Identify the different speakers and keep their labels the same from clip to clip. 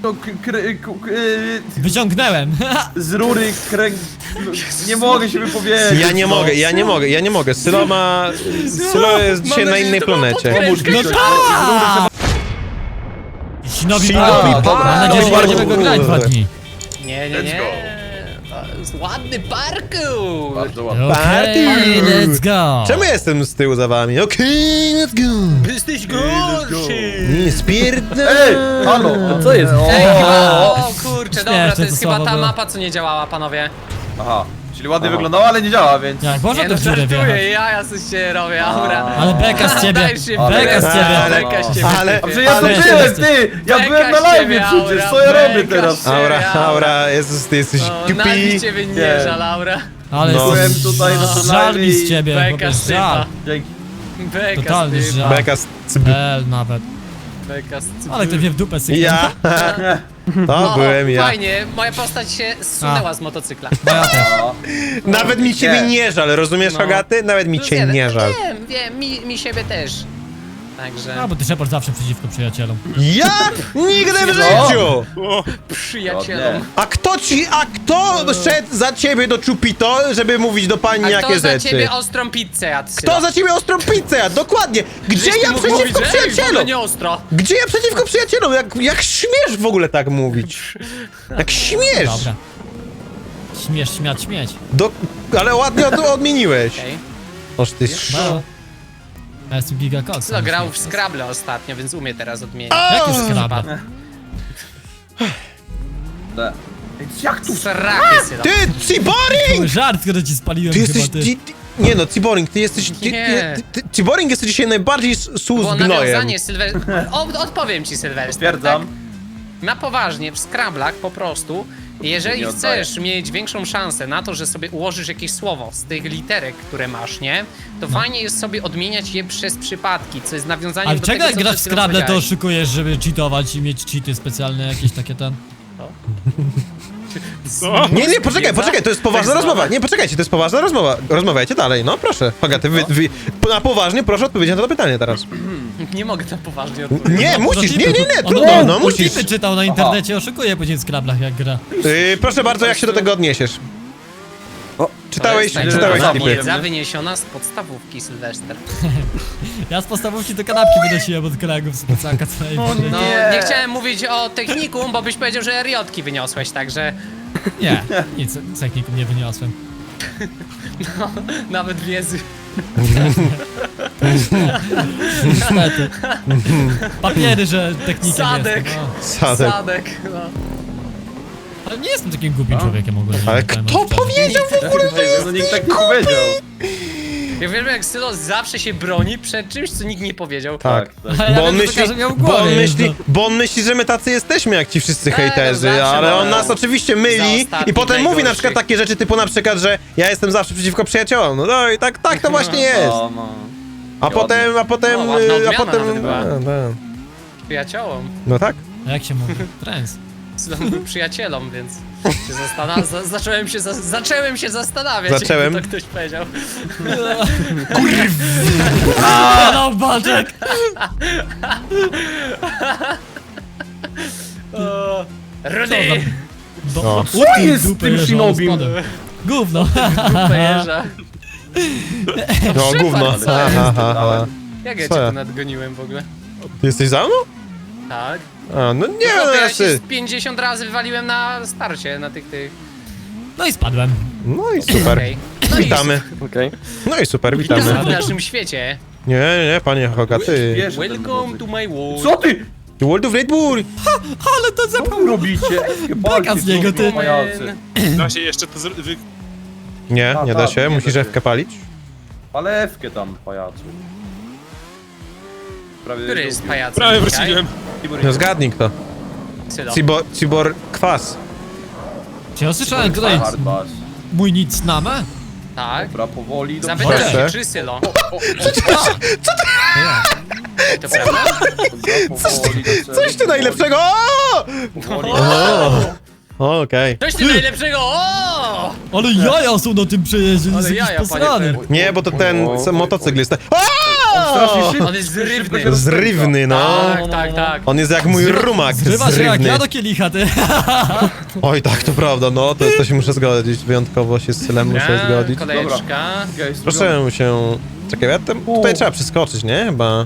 Speaker 1: No,
Speaker 2: Wyciągnęłem.
Speaker 1: z rury Nie mogę się wypowiedzieć.
Speaker 3: Ja nie mogę. Sylo jest dzisiaj na innej planecie.
Speaker 2: No tak! Shinobi
Speaker 3: Shinobi
Speaker 2: Park.
Speaker 3: Park.
Speaker 2: Mam nadzieję, że nie będziemy go grać 2 dni.
Speaker 4: Nie. To jest ładny parkour.
Speaker 1: Bardzo ładnie.
Speaker 2: Okej, let's go.
Speaker 3: Czemu jestem z tyłu za wami? Okej, let's go.
Speaker 4: Jesteś gorszy.
Speaker 3: Nie, spierdolę.
Speaker 1: Ej, halo, co jest?
Speaker 4: Ej, o kurczę, dobra,
Speaker 2: Śmieszne
Speaker 4: to jest
Speaker 2: to
Speaker 4: chyba
Speaker 2: słowo
Speaker 4: ta
Speaker 2: było.
Speaker 4: mapa, co nie działała, panowie.
Speaker 1: Aha, czyli ładnie wyglądało, ale nie działa, więc...
Speaker 2: Jak można
Speaker 4: Nie
Speaker 2: to
Speaker 4: no,
Speaker 2: w dziurę wjechać?
Speaker 4: żartuję, ja coś się robię, aura.
Speaker 2: Ale beka z ciebie.
Speaker 4: Daj się,
Speaker 2: Beka z ciebie.
Speaker 4: Beka z ciebie.
Speaker 3: Ale,
Speaker 1: A przecież ja to
Speaker 3: ale,
Speaker 1: byłem, ty! Ja
Speaker 4: Beka
Speaker 1: byłem na
Speaker 4: z
Speaker 1: live
Speaker 4: ciebie,
Speaker 1: przecież,
Speaker 4: Aura,
Speaker 1: co ja robię
Speaker 4: beka
Speaker 1: teraz?
Speaker 4: z ciebie.
Speaker 3: Aura, Jezus, ty jesteś
Speaker 4: O, na
Speaker 3: głupi.
Speaker 4: nic ciebie nie
Speaker 1: Nie.
Speaker 4: żal, Aura.
Speaker 2: Ale
Speaker 3: No.
Speaker 1: Byłem tutaj na tym
Speaker 2: żal mi z
Speaker 1: live i-
Speaker 2: ciebie,
Speaker 4: Beka
Speaker 2: chłopie,
Speaker 4: z typa.
Speaker 2: żal.
Speaker 1: Dzięki.
Speaker 4: Beka
Speaker 2: Totalny
Speaker 4: z typa.
Speaker 2: żal.
Speaker 3: Beka z cyby.
Speaker 2: Nawet.
Speaker 4: Beka z typa.
Speaker 2: Ale ktoś mnie w dupę syknął.
Speaker 3: Ja. To byłem ja.
Speaker 4: Fajnie, moja postać się zsunęła z motocykla.
Speaker 2: Moja też.
Speaker 3: Nawet mi ciebie
Speaker 1: Nie.
Speaker 3: nie żal, rozumiesz,
Speaker 4: No.
Speaker 3: Hogaty? Nawet mi cię nie żal.
Speaker 4: Wiem, mi siebie też. Także
Speaker 2: A, bo ty Shepard zawsze przeciwko przyjacielom.
Speaker 3: Ja? Nigdy w życiu!
Speaker 4: przyjacielom.
Speaker 3: A kto szedł za ciebie do Chupito, żeby mówić do pani
Speaker 4: A
Speaker 3: jakie
Speaker 4: kto za
Speaker 3: rzeczy?
Speaker 4: ciebie ostrą pizzę jadł?
Speaker 3: Kto za ciebie ostrą pizzę jadł? Dokładnie! Gdzie
Speaker 4: Żeś ty
Speaker 3: ja
Speaker 4: mógł
Speaker 3: przeciwko
Speaker 4: mówić, że ej, w ogóle
Speaker 3: przyjacielom?
Speaker 4: nie ostro.
Speaker 3: Gdzie ja przeciwko przyjacielom? Jak śmiesz w ogóle tak mówić? Jak śmiesz!
Speaker 2: Dobra. Śmiesz, śmiać.
Speaker 3: Ale ładnie odmieniłeś.
Speaker 4: Okej.
Speaker 3: Oż ty
Speaker 2: No. Ja jestem Giga Cox.
Speaker 4: No, grał w Scrabble ostatnio, więc umie teraz odmienić.
Speaker 2: Jak już Scrabble?
Speaker 1: Jak tu?
Speaker 4: Srakie sylo.
Speaker 3: Ty, Ciboring!
Speaker 2: Żart, który ci spaliłem
Speaker 3: Ty
Speaker 2: chyba,
Speaker 3: jesteś...
Speaker 2: ty.
Speaker 3: Nie no, Ciboring, ty jesteś...
Speaker 4: Nie.
Speaker 3: Ciboring jesteś dzisiaj najbardziej sus
Speaker 4: Było
Speaker 3: gnojem.
Speaker 4: nawiązanie Odpowiem ci, Sylwester.
Speaker 1: Stwierdzam.
Speaker 4: Tak? Na poważnie, w Scrabblach po prostu, jeżeli
Speaker 1: Nie oddaję.
Speaker 4: chcesz mieć większą szansę na to, że sobie ułożysz jakieś słowo z tych literek, które masz, nie? To fajnie jest sobie odmieniać je przez przypadki, co jest nawiązaniem
Speaker 2: Ale
Speaker 4: do
Speaker 2: czego
Speaker 4: tego,
Speaker 2: jak
Speaker 4: co
Speaker 2: grasz w
Speaker 4: przed chwilą
Speaker 2: Scrabble, to
Speaker 4: powiedziałeś.
Speaker 2: oszukujesz, żeby cheatować i mieć cheaty specjalne, jakieś takie ten...
Speaker 3: Nie, poczekaj, to jest poważna rozmowa. Nie, poczekajcie, to jest poważna rozmowa. Rozmawiajcie dalej, no proszę. Hogaty, na poważnie proszę odpowiedzieć na to pytanie teraz.
Speaker 4: Nie mogę na poważnie odpowiedzieć.
Speaker 3: Nie, musisz, nie,
Speaker 2: On
Speaker 3: trudno, no musisz.
Speaker 2: Tipy czytał na internecie, oszukuje później w Scrabblach jak gra.
Speaker 3: Proszę bardzo, jak się do tego odniesiesz? Czytałeś
Speaker 1: Dobra,
Speaker 3: tipy.
Speaker 4: Wiedza wyniesiona z podstawówki, Sylwester.
Speaker 2: Ja z podstawówki do kanapki wynosiłem od kolegów z plecaka całej
Speaker 4: No,
Speaker 1: Nie.
Speaker 4: nie chciałem mówić o technikum, bo byś powiedział, że RJ-ki wyniosłeś, także
Speaker 2: Nie, nic z technikum nie wyniosłem.
Speaker 4: nawet wiedzy.
Speaker 2: Niestety. Papiery, że technikiem
Speaker 4: Sadek.
Speaker 2: jestem. No.
Speaker 3: Sadek.
Speaker 4: Sadek, no.
Speaker 2: Ale nie jestem takim głupim człowiekiem ogólnie.
Speaker 3: Ale
Speaker 2: nie wiem,
Speaker 3: kto
Speaker 2: szczerze.
Speaker 3: powiedział w ogóle, że jest...
Speaker 1: No nikt tak nie powiedział.
Speaker 4: Ja wiem, jak Sylo zawsze się broni przed czymś, co nikt nie powiedział.
Speaker 3: Tak.
Speaker 2: Ale ja
Speaker 3: Bo on
Speaker 2: wiem, że
Speaker 3: myśli,
Speaker 2: każdy miał w
Speaker 3: bo on
Speaker 2: głowie,
Speaker 3: myśli,
Speaker 2: no.
Speaker 3: bo on myśli, że my tacy jesteśmy jak ci wszyscy
Speaker 4: Tak,
Speaker 3: hejterzy,
Speaker 4: no zawsze
Speaker 3: ale on
Speaker 4: mają
Speaker 3: nas oczywiście
Speaker 4: za
Speaker 3: myli
Speaker 4: ostatnich
Speaker 3: i potem mówi na
Speaker 4: najgorszych.
Speaker 3: przykład takie rzeczy typu na przykład, że ja jestem zawsze przeciwko przyjaciołom. No i tak to właśnie jest.
Speaker 1: No.
Speaker 3: A potem,
Speaker 4: No, ładna odmiana nawet była.
Speaker 3: no,
Speaker 4: Przyjaciołom.
Speaker 3: no tak.
Speaker 2: A jak się mówi? Trends.
Speaker 4: Sylo mówił przyjacielom, więc się zacząłem się zastanawiać,
Speaker 3: Zacząłem.
Speaker 4: jak to ktoś powiedział.
Speaker 2: No, Baczek!
Speaker 4: Rudy!
Speaker 3: No.
Speaker 1: Co jest z tym Shinobim?
Speaker 2: Gówno.
Speaker 4: Pejerza.
Speaker 3: No gówno.
Speaker 4: co
Speaker 3: Ha,
Speaker 4: jest?
Speaker 3: ha, ha, ha.
Speaker 4: Jak ja
Speaker 3: Co
Speaker 4: cię
Speaker 3: ja?
Speaker 4: tu nadgoniłem w ogóle?
Speaker 3: Ty jesteś za mną?
Speaker 4: Tak.
Speaker 3: A, no nie
Speaker 4: No,
Speaker 3: wiem,
Speaker 4: to
Speaker 3: no
Speaker 4: ja
Speaker 3: ja
Speaker 4: się
Speaker 3: ty.
Speaker 4: z 50 razy wywaliłem na starcie, na tych...
Speaker 2: No i spadłem.
Speaker 3: No i super.
Speaker 4: Okej. No i
Speaker 3: Witamy. No i super,
Speaker 4: Witamy
Speaker 3: witamy.
Speaker 4: w naszym świecie.
Speaker 3: Nie, panie Hogaty.
Speaker 1: Wiesz,
Speaker 4: Welcome to my world.
Speaker 1: Co ty?
Speaker 3: The World of Red Bull.
Speaker 2: Ale to
Speaker 1: Co
Speaker 2: zepchał.
Speaker 1: wy robicie?
Speaker 2: Beka z niego, ty.
Speaker 1: Pajacy.
Speaker 5: Da się jeszcze to
Speaker 3: Nie, nie da się,
Speaker 1: nie
Speaker 3: musisz
Speaker 1: da się.
Speaker 3: F-kę palić.
Speaker 1: Palewkę tam, pajacu. Prawie
Speaker 4: Który jest pajacem?
Speaker 5: Prawie
Speaker 4: dzisiaj?
Speaker 5: wróciłem.
Speaker 3: No zgadnij kto.
Speaker 4: Sylo.
Speaker 3: Cibor kwas.
Speaker 2: Czy ja słyszałem tutaj
Speaker 1: Hard bass.
Speaker 2: mój nic namę?
Speaker 4: Tak.
Speaker 1: Dobra, powoli do
Speaker 4: Zapytaj
Speaker 3: Proszę.
Speaker 4: się, czy Sylo.
Speaker 2: Ja.
Speaker 4: To prawda?
Speaker 1: Powoli do celu.
Speaker 3: Coś ty najlepszego!
Speaker 1: Powoli.
Speaker 3: O, okej.
Speaker 4: Coś ty najlepszego! O!
Speaker 2: Ale jaja są na tym przejeździe,
Speaker 4: Ale
Speaker 2: jest jakiś
Speaker 4: jaja, panie
Speaker 2: posrany.
Speaker 4: Fer.
Speaker 3: Nie, bo to ten motocykl jest. O!
Speaker 1: strasznie szybko.
Speaker 4: On jest
Speaker 1: szybko
Speaker 4: zrywny.
Speaker 1: się rozpędza.
Speaker 3: Zrywny, no.
Speaker 4: Tak, tak.
Speaker 3: On jest jak mój rumak,
Speaker 2: Zrywa się jak
Speaker 3: zrywny.
Speaker 2: ja do kielicha, ty.
Speaker 3: Oj, tak, to prawda, no, to się muszę zgodzić. Wyjątkowo się z Sylem muszę zgodzić.
Speaker 4: Kolejeczka.
Speaker 1: Okej,
Speaker 3: Proszę się... Czekaj, ja tutaj trzeba przeskoczyć, nie? Chyba...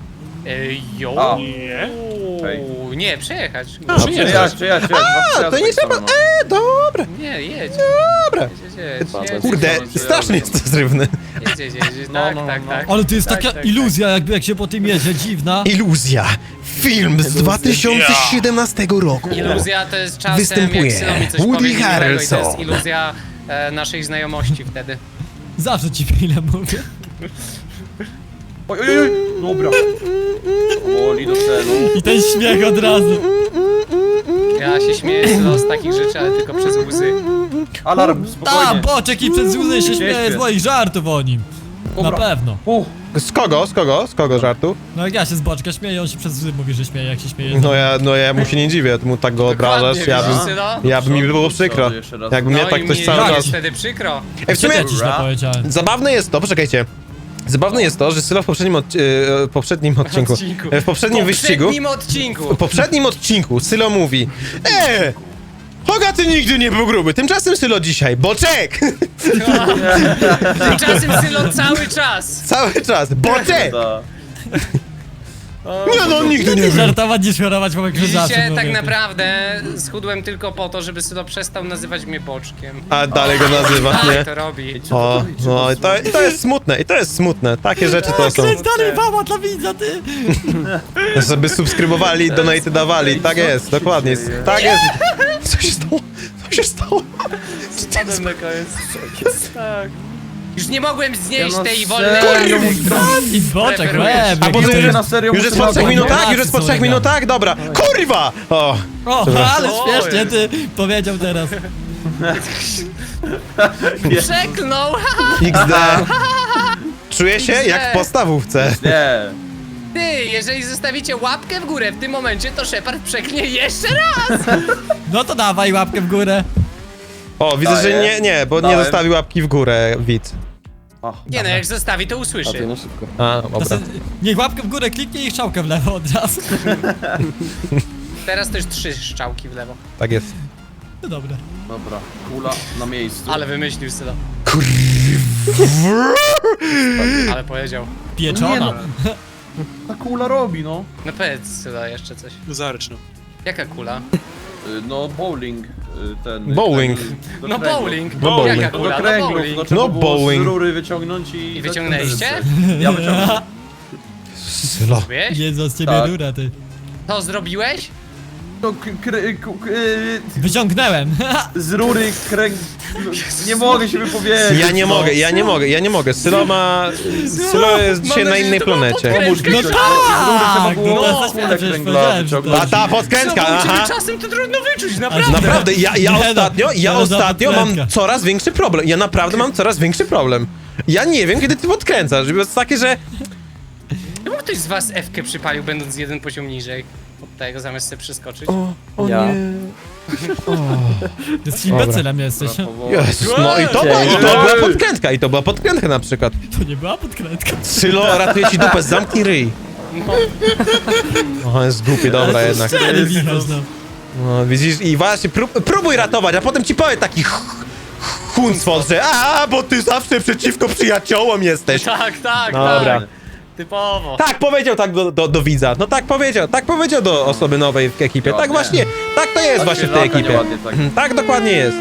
Speaker 4: Jo.
Speaker 1: A. Hej.
Speaker 4: Nie, przejechać.
Speaker 3: A,
Speaker 1: Przejechać.
Speaker 3: A, to nie trzeba... Dobra,
Speaker 4: Nie, jedź.
Speaker 3: dobra.
Speaker 4: Jedź.
Speaker 3: Kurde, strasznie jest to zrywny.
Speaker 4: Jedź. Tak.
Speaker 2: Ale to jest taka
Speaker 4: Tak.
Speaker 2: iluzja, jakby jak się po tym jedzie, dziwna.
Speaker 3: Iluzja. Film z 2017 roku.
Speaker 4: Iluzja to jest czasem,
Speaker 3: Występuje
Speaker 4: jak Sylo mi coś
Speaker 3: Woody
Speaker 4: powie miłego i to
Speaker 3: Harrelson.
Speaker 4: jest iluzja naszej znajomości wtedy.
Speaker 2: Zawsze ci chwilę mówię.
Speaker 1: Oj. Dobra. Powoli do celu.
Speaker 2: I ten śmiech od razu.
Speaker 4: Ja się śmieję Sylo z takich rzeczy, ale tylko przez łzy.
Speaker 1: Alarm,
Speaker 2: Ta,
Speaker 1: spokojnie.
Speaker 2: boczek i przez łzy się śmieje z
Speaker 1: śpię.
Speaker 2: moich żartów o nim. Na
Speaker 1: Dobra.
Speaker 2: pewno.
Speaker 3: Z kogo żartu?
Speaker 2: No jak ja się z boczka śmieję, on się przez łzy mówi, że śmieje, jak się śmieje.
Speaker 3: No ja mu się nie dziwię, ty mu tak go obrażasz,
Speaker 4: Dokładnie,
Speaker 3: ja bym mi było przykro.
Speaker 1: Jeszcze raz.
Speaker 3: Jakby mnie
Speaker 4: No
Speaker 3: tak
Speaker 4: i
Speaker 3: ktoś
Speaker 4: mi
Speaker 3: cały
Speaker 4: jest
Speaker 3: czas...
Speaker 4: wtedy przykro.
Speaker 3: Ej, w sumie
Speaker 2: Ja ci źle powiedziałem.
Speaker 3: zabawne jest to, poczekajcie. Zabawne jest to, że Sylo w poprzednim odcinku, w poprzednim wyścigu, w poprzednim odcinku Sylo mówi Hogaty nigdy nie był gruby, tymczasem Sylo dzisiaj, boczek!
Speaker 4: Tymczasem Sylo cały czas.
Speaker 3: Cały czas, boczek!
Speaker 1: Da.
Speaker 3: Nie no, nigdy nie był.
Speaker 2: Żartować niż chorować po
Speaker 4: Widzicie,
Speaker 2: krzyżacu.
Speaker 4: tak naprawdę schudłem tylko po to, żeby Sylo przestał nazywać mnie boczkiem.
Speaker 3: A dalej go nazywa,
Speaker 4: Tak,
Speaker 3: nie?
Speaker 4: to robi.
Speaker 3: O, no i to jest smutne, takie rzeczy to są.
Speaker 2: Kręć dalej, mama dla widza, ty!
Speaker 3: Żeby subskrybowali, donaty dawali, tak jest, dokładnie, tak jest. Co się stało? Co się stało?
Speaker 4: Spadłem na koniec. Tak. Już nie mogłem znieść
Speaker 1: Ja na
Speaker 4: tej wolnej...
Speaker 1: serio
Speaker 2: I boczek,
Speaker 4: Preferujesz.
Speaker 2: łeb,
Speaker 3: A
Speaker 2: jaki
Speaker 3: potem
Speaker 2: to
Speaker 3: już
Speaker 2: jest...
Speaker 1: na serio
Speaker 3: Już jest po 3
Speaker 1: muszę
Speaker 3: minutach?
Speaker 2: na
Speaker 3: Już jest po 3
Speaker 2: Polacy są
Speaker 3: minutach? Dobra. Kurwa! O,
Speaker 2: O, ale
Speaker 4: O,
Speaker 2: śmiesznie ty powiedział teraz.
Speaker 4: Przeklnął!
Speaker 3: XD. Czuję się jak w podstawówce.
Speaker 1: Nie.
Speaker 4: Ty, jeżeli zostawicie łapkę w górę w tym momencie, to Shepard przeknie jeszcze raz!
Speaker 2: No to dawaj łapkę w górę.
Speaker 3: O, widzę, że nie, bo nie
Speaker 1: Dałem.
Speaker 3: zostawi łapki w górę, widz.
Speaker 4: Nie no, jak zostawi, to usłyszy.
Speaker 3: A,
Speaker 2: To
Speaker 3: dobra.
Speaker 2: se, niech łapkę w górę kliknie i strzałkę w lewo od razu.
Speaker 4: Teraz też 3 strzałki w lewo.
Speaker 3: Tak jest.
Speaker 2: No dobra.
Speaker 1: Dobra, kula na miejscu.
Speaker 4: Ale wymyślił Sylo. Ale powiedział.
Speaker 2: Pieczona.
Speaker 1: Nie no. Ta kula robi, no.
Speaker 4: No powiedz Sylo jeszcze coś.
Speaker 5: Zaryczno.
Speaker 4: Jaka kula?
Speaker 1: No bowling. Ten.
Speaker 3: Bowling.
Speaker 1: do
Speaker 4: No
Speaker 1: kręgu.
Speaker 4: bowling.
Speaker 3: No bowling.
Speaker 4: Jaka
Speaker 1: No
Speaker 4: kula?
Speaker 1: do
Speaker 4: No
Speaker 1: kręgu.
Speaker 4: bowling.
Speaker 1: No, trzeba
Speaker 3: No
Speaker 1: było
Speaker 3: bowling.
Speaker 1: z rury wyciągnąć i...
Speaker 4: I wyciągnęliście?
Speaker 1: Ja wyciągnąłem.
Speaker 3: Sylo.
Speaker 4: Wiesz?
Speaker 2: Jezu, z ciebie
Speaker 1: Tak.
Speaker 2: rura, ty.
Speaker 4: To zrobiłeś?
Speaker 1: To
Speaker 2: Wyciągnęłem.
Speaker 1: z rury kręg... Nie mogę się wypowiedzieć.
Speaker 3: Ja nie mogę. Sylo jest dzisiaj na
Speaker 4: nadzieję,
Speaker 3: innej
Speaker 4: że to było
Speaker 3: planecie.
Speaker 1: Pomóż mi
Speaker 2: No
Speaker 1: coś.
Speaker 2: tak,
Speaker 1: Z rury trzeba
Speaker 2: no
Speaker 1: było
Speaker 2: to
Speaker 1: kulę
Speaker 2: przecież
Speaker 1: kręgla
Speaker 2: powiedziałem, że
Speaker 1: wyciągnąć.
Speaker 3: A ta podkrętka,
Speaker 4: Sylo, bo u
Speaker 3: aha.
Speaker 4: ciebie czasem to trudno wyczuć, naprawdę.
Speaker 3: Naprawdę, ja
Speaker 2: Nie no,
Speaker 3: ostatnio
Speaker 2: to za
Speaker 3: mam
Speaker 2: podkrętka.
Speaker 3: coraz większy problem. Ja naprawdę mam coraz większy problem. Ja nie wiem, kiedy ty podkręcasz. To jest takie, że...
Speaker 4: Czemu ktoś z was F-kę przypalił, będąc jeden poziom niżej od tego, zamiast sobie przeskoczyć?
Speaker 3: O
Speaker 1: Ja.
Speaker 3: nie.
Speaker 2: Ty z imbecylem jesteś.
Speaker 3: Jezus, no i to była podkrętka, i to była podkrętka na przykład.
Speaker 2: To nie była podkrętka.
Speaker 3: Sylo, ratuje ci dupę, zamknij ryj.
Speaker 4: No.
Speaker 3: O, jest głupie, dobra jednak.
Speaker 2: Szczery wichasz, no.
Speaker 3: No, widzisz, i właśnie, próbuj ratować, a potem ci powie taki chuncwol, że bo ty zawsze przeciwko przyjaciołom jesteś.
Speaker 4: Tak,
Speaker 3: Dobra.
Speaker 4: tak. Typowo.
Speaker 3: Tak powiedział tak do widza, no tak powiedział do osoby nowej w ekipie, tak
Speaker 1: Ładnie.
Speaker 3: właśnie, tak to jest właśnie w tej
Speaker 1: Świeżaka,
Speaker 3: ekipie.
Speaker 1: nieładnie tak.
Speaker 3: Tak dokładnie jest.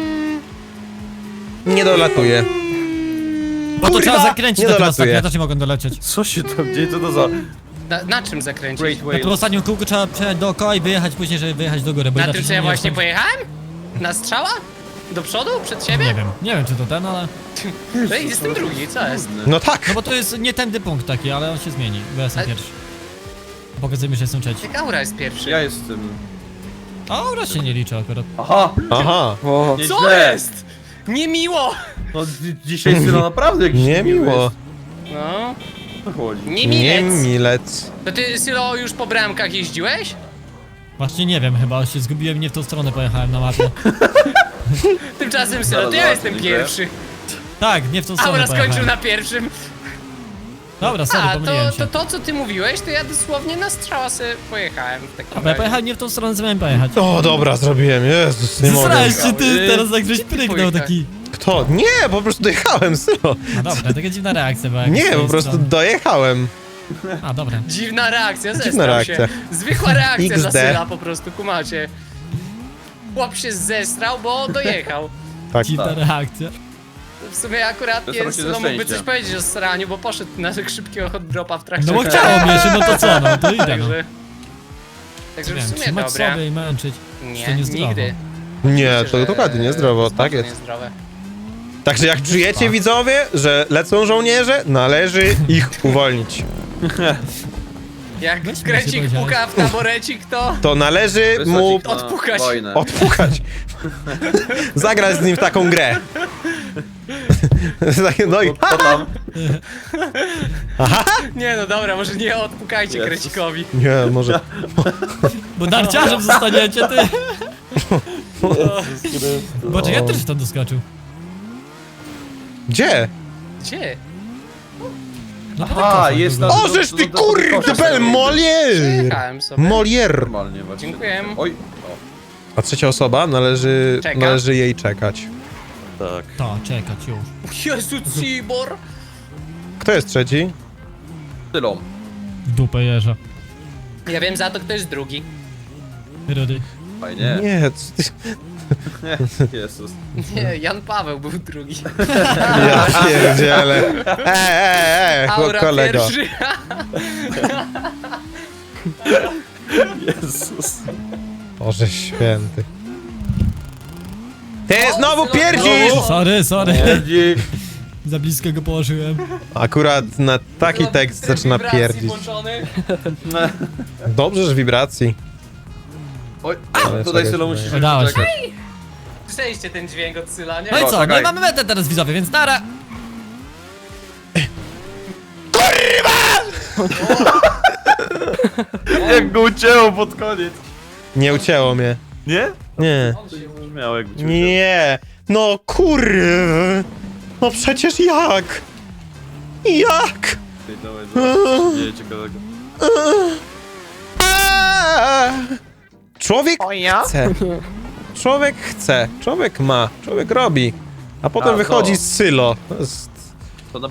Speaker 3: Nie dolatuje.
Speaker 2: Bo to
Speaker 3: Kurwa,
Speaker 2: trzeba zakręcić
Speaker 3: nie
Speaker 2: na tym
Speaker 3: dolatuje.
Speaker 2: ostatnim, ja też nie mogę dolecieć.
Speaker 1: Co się tam dzieje? Co to za...
Speaker 4: Na czym zakręcić?
Speaker 1: Great
Speaker 2: Na
Speaker 1: Whale.
Speaker 2: tym ostatnim kółku trzeba przejechać dookoła i wyjechać później, żeby wyjechać do góry, bo
Speaker 4: Na
Speaker 2: inaczej
Speaker 4: tym, co
Speaker 2: się
Speaker 4: ja
Speaker 2: nie
Speaker 4: właśnie
Speaker 2: dostaniesz.
Speaker 4: pojechałem? Na strzała? Do przodu? Przed siebie?
Speaker 2: Nie wiem czy to ten, ale...
Speaker 4: Ej, jestem drugi, co jest?
Speaker 3: No tak.
Speaker 2: No bo to jest nie tędy punkt taki, ale on się zmieni, bo ja jestem
Speaker 4: Ale-
Speaker 2: pierwszy. Pokazuję mi, że jestem trzeci.
Speaker 4: Jak Aura jest pierwszy.
Speaker 1: Ja jestem...
Speaker 2: A raz się nie liczy akurat.
Speaker 1: Aha!
Speaker 3: Aha,
Speaker 4: Co
Speaker 1: Nieźle.
Speaker 4: jest? Niemiło!
Speaker 1: No dzisiaj Sylo naprawdę jakiś
Speaker 3: niemiło.
Speaker 4: No,
Speaker 1: Co chodzi?
Speaker 3: Nie
Speaker 4: niemilec.
Speaker 3: milec.
Speaker 4: To ty, Sylo, już po bramkach jeździłeś?
Speaker 2: Właśnie nie wiem, chyba się zgubiłem, nie w tą stronę pojechałem na mapie.
Speaker 4: Tymczasem, Sylo, to ja
Speaker 1: Zaraz
Speaker 4: jestem
Speaker 1: widzę.
Speaker 4: pierwszy.
Speaker 2: Tak, nie w tą stronę
Speaker 4: Aura skończył
Speaker 2: pojechałem.
Speaker 4: na pierwszym.
Speaker 2: Dobra, sorry,
Speaker 4: A,
Speaker 2: pomyliłem się.
Speaker 4: to co ty mówiłeś, to ja dosłownie na strzała sobie pojechałem w takim
Speaker 2: Dobra, ja pojechałem nie w tą stronę, co miałem pojechać.
Speaker 3: O, dobra, zrobiłem, Jezus, nie mogę.
Speaker 2: Zresztą się ty teraz tak żeś pryknął
Speaker 4: pojechałeś?
Speaker 2: taki...
Speaker 3: Kto? Nie, po prostu dojechałem, Sylo.
Speaker 2: No dobra, taka dziwna reakcja była.
Speaker 3: Nie,
Speaker 2: z tej
Speaker 3: po prostu
Speaker 2: strony.
Speaker 3: dojechałem.
Speaker 2: A, dobra.
Speaker 4: Dziwna reakcja,
Speaker 3: Dziwna
Speaker 4: zestrał
Speaker 3: reakcja.
Speaker 4: się. Zwykła reakcja dla
Speaker 3: XD.
Speaker 4: Syla po prostu, kumacie. Chłop się zestrał, bo dojechał.
Speaker 3: Tak.
Speaker 2: Dziwna reakcja.
Speaker 4: W sumie akurat
Speaker 1: Zesrał
Speaker 4: nie
Speaker 1: się
Speaker 4: Sylo
Speaker 1: ze
Speaker 4: mógłby
Speaker 1: szczęścia.
Speaker 4: coś powiedzieć o sraniu, bo poszedł na szybkiego hot dropa w trakcie.
Speaker 2: No bo chciało mnie się, no to co, no to idę, no.
Speaker 4: Także w
Speaker 2: Wiem,
Speaker 4: sumie
Speaker 2: trzymać
Speaker 4: dobra.
Speaker 2: sobie i męczyć. To
Speaker 4: Nie,
Speaker 2: niezdrowo.
Speaker 4: nigdy.
Speaker 3: Nie,
Speaker 4: Myślę,
Speaker 3: to
Speaker 4: że
Speaker 3: dokładnie niezdrowo,
Speaker 4: jest
Speaker 3: tak
Speaker 4: bardzo
Speaker 3: jest.
Speaker 4: Niezdrowe.
Speaker 3: Także jak czujecie, widzowie, że lecą żołnierze, należy ich uwolnić.
Speaker 4: Jak
Speaker 2: Weź mi się
Speaker 4: krecik
Speaker 2: powiedziałeś.
Speaker 4: puka w taborecik, to
Speaker 3: To należy mu
Speaker 1: Wysłać ich na
Speaker 4: odpukać.
Speaker 1: wojnę.
Speaker 3: odpukać. Zagrać z nim w taką grę. No i...
Speaker 1: To tam.
Speaker 4: Nie no dobra, może nie odpukajcie
Speaker 1: Jezus.
Speaker 4: krecikowi.
Speaker 3: Nie, może...
Speaker 2: Bo narciarzem zostaniecie, ty! Boże, ja też w to doskoczył.
Speaker 3: Gdzie?
Speaker 4: Gdzie?
Speaker 2: No po
Speaker 1: Aha,
Speaker 2: tych
Speaker 1: jest
Speaker 2: kosach
Speaker 1: na-
Speaker 3: O, żeż ty
Speaker 1: do
Speaker 3: kurde,
Speaker 1: kosza
Speaker 3: bel
Speaker 1: sobie.
Speaker 3: Molière!
Speaker 4: Jechałem sobie.
Speaker 3: Molière.
Speaker 1: Normalnie właśnie.
Speaker 4: Dziękuję.
Speaker 1: Oj.
Speaker 3: A trzecia osoba należy
Speaker 4: Czeka.
Speaker 3: jej czekać.
Speaker 1: O, tak.
Speaker 2: To, czekać już.
Speaker 4: Jezu, Cibor!
Speaker 3: Kto jest trzeci?
Speaker 1: Tylą.
Speaker 2: W dupę jeża.
Speaker 4: Ja wiem za to, kto jest drugi.
Speaker 2: Rudy.
Speaker 1: Fajnie.
Speaker 3: Nie, co ty...
Speaker 1: Jezus.
Speaker 4: Nie, Jan Paweł był drugi.
Speaker 3: Ja pierdzielę.
Speaker 4: Aura
Speaker 3: kolego.
Speaker 4: pierwszy.
Speaker 1: Jezus.
Speaker 3: Boże święty. Ty znowu
Speaker 4: Sylo,
Speaker 3: pierdzisz!
Speaker 2: Sorry, sorry.
Speaker 1: Pierdzi.
Speaker 2: Za blisko go położyłem.
Speaker 3: Akurat na taki tekst zaczyna
Speaker 4: Wibracji
Speaker 3: pierdzić.
Speaker 4: włączony.
Speaker 3: Dobrze, że wibracji.
Speaker 1: Oj,
Speaker 3: Ale
Speaker 1: tutaj
Speaker 3: czekaj,
Speaker 1: Sylo
Speaker 3: czekaj.
Speaker 1: musisz
Speaker 2: Udało się.
Speaker 1: czekać.
Speaker 4: Słyszeliście ten dźwięk od Syla, nie?
Speaker 2: No i co, no
Speaker 1: czekaj.
Speaker 2: i mamy metę teraz widzowie, więc nara!
Speaker 1: Jak go ucięło pod koniec.
Speaker 3: Nie ucięło mnie.
Speaker 1: Nie?
Speaker 3: Nie.
Speaker 1: To nie brzmiało jakby cię
Speaker 3: Nie. No kurwa. No przecież jak? Jak?
Speaker 1: ucięło. Dawaj, zobacz, nie ciekawego.
Speaker 3: Aaa! Człowiek chce. Człowiek chce. Człowiek ma. Człowiek robi. A potem
Speaker 1: A,
Speaker 3: wychodzi
Speaker 1: to.
Speaker 3: z Sylo. To jest...
Speaker 1: To na...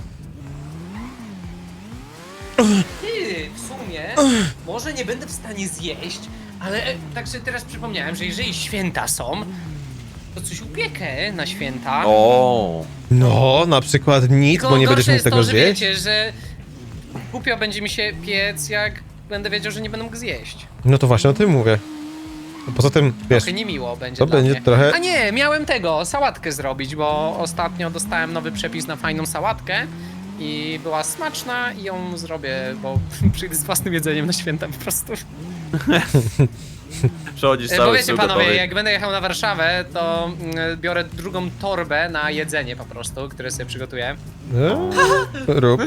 Speaker 4: Ty, w sumie, może nie będę w stanie zjeść, ale tak sobie teraz przypomniałem, że jeżeli święta są, to coś upiekę na święta.
Speaker 1: O.
Speaker 3: No, na przykład nic,
Speaker 4: Tylko
Speaker 3: bo nie
Speaker 4: gorsze
Speaker 3: będziesz mógł
Speaker 4: jest
Speaker 3: tego
Speaker 4: to, że
Speaker 3: zjeść.
Speaker 4: wiecie, że głupio będzie mi się piec, jak będę wiedział, że nie będę mógł zjeść.
Speaker 3: No to właśnie o tym mówię. A poza tym, wiesz,
Speaker 4: Trochę niemiło będzie
Speaker 3: to
Speaker 4: dla
Speaker 3: będzie
Speaker 4: mnie.
Speaker 3: trochę...
Speaker 4: A nie, miałem sałatkę zrobić, bo ostatnio dostałem nowy przepis na fajną sałatkę i była smaczna i ją zrobię, bo przyjdę z własnym jedzeniem na święta po prostu.
Speaker 1: Przechodzisz
Speaker 4: Bo
Speaker 1: cały
Speaker 4: wiecie
Speaker 1: sył
Speaker 4: panowie,
Speaker 1: gotowy.
Speaker 4: jak będę jechał na Warszawę, to biorę drugą torbę na jedzenie po prostu, które sobie przygotuję.
Speaker 3: Rób.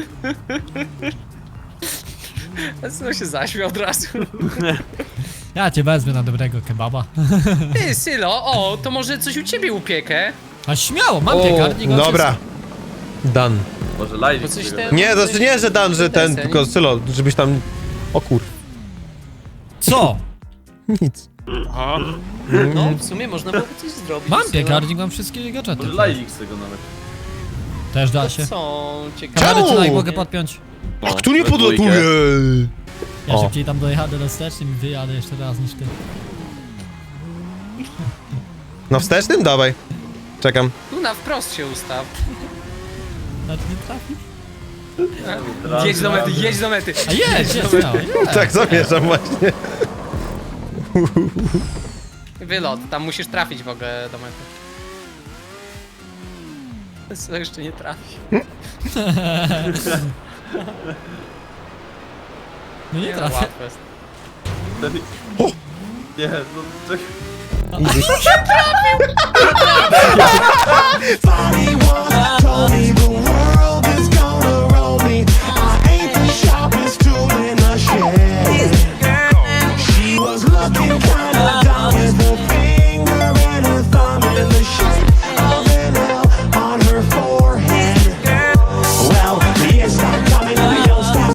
Speaker 4: Zresztą się zaśmiał od razu.
Speaker 2: Ja cię wezmę na dobrego kebaba.
Speaker 4: Ty, Sylo, o, to może coś u ciebie upiekę?
Speaker 2: A śmiało, mam piekarnik. mam
Speaker 3: Dobra. Dan.
Speaker 1: Może live
Speaker 4: Bo coś
Speaker 1: tego.
Speaker 4: ten-
Speaker 3: Nie, znaczy nie, że Dan, że ten,
Speaker 4: Deseń.
Speaker 3: tylko Sylo, żebyś tam... O kur...
Speaker 2: wszystko. Co?
Speaker 3: Nic.
Speaker 4: No, w sumie można byłoby coś zrobić.
Speaker 2: Mam
Speaker 4: Sylo.
Speaker 2: piekarnik, mam wszystkie gadżety.
Speaker 1: Może live z tego nawet.
Speaker 2: Też da
Speaker 4: To
Speaker 2: się.
Speaker 4: są ciekawe.
Speaker 2: Kamery czy
Speaker 3: Czemu?
Speaker 2: na mogę podpiąć?
Speaker 3: A kto nie
Speaker 1: we dwójkę.
Speaker 3: podlatuje?
Speaker 2: Ja
Speaker 3: O.
Speaker 2: szybciej tam dojadę do wstecznym i wyjadę jeszcze raz niż ty.
Speaker 3: Na wstecznym? Dawaj. Czekam.
Speaker 4: Tu na wprost się ustaw.
Speaker 2: Znaczy nie trafi?
Speaker 4: Jedź do mety, jedź do mety.
Speaker 2: A jedź, śmiało, jedź.
Speaker 3: Tak zamierzam właśnie.
Speaker 4: Wylot, tam musisz trafić w ogóle do mety. Co jeszcze nie trafi.
Speaker 2: No nie
Speaker 4: no,
Speaker 2: trafię.
Speaker 4: łatwe jest.
Speaker 1: Nie, no czekaj.
Speaker 3: Idziesz.
Speaker 5: Funny one told me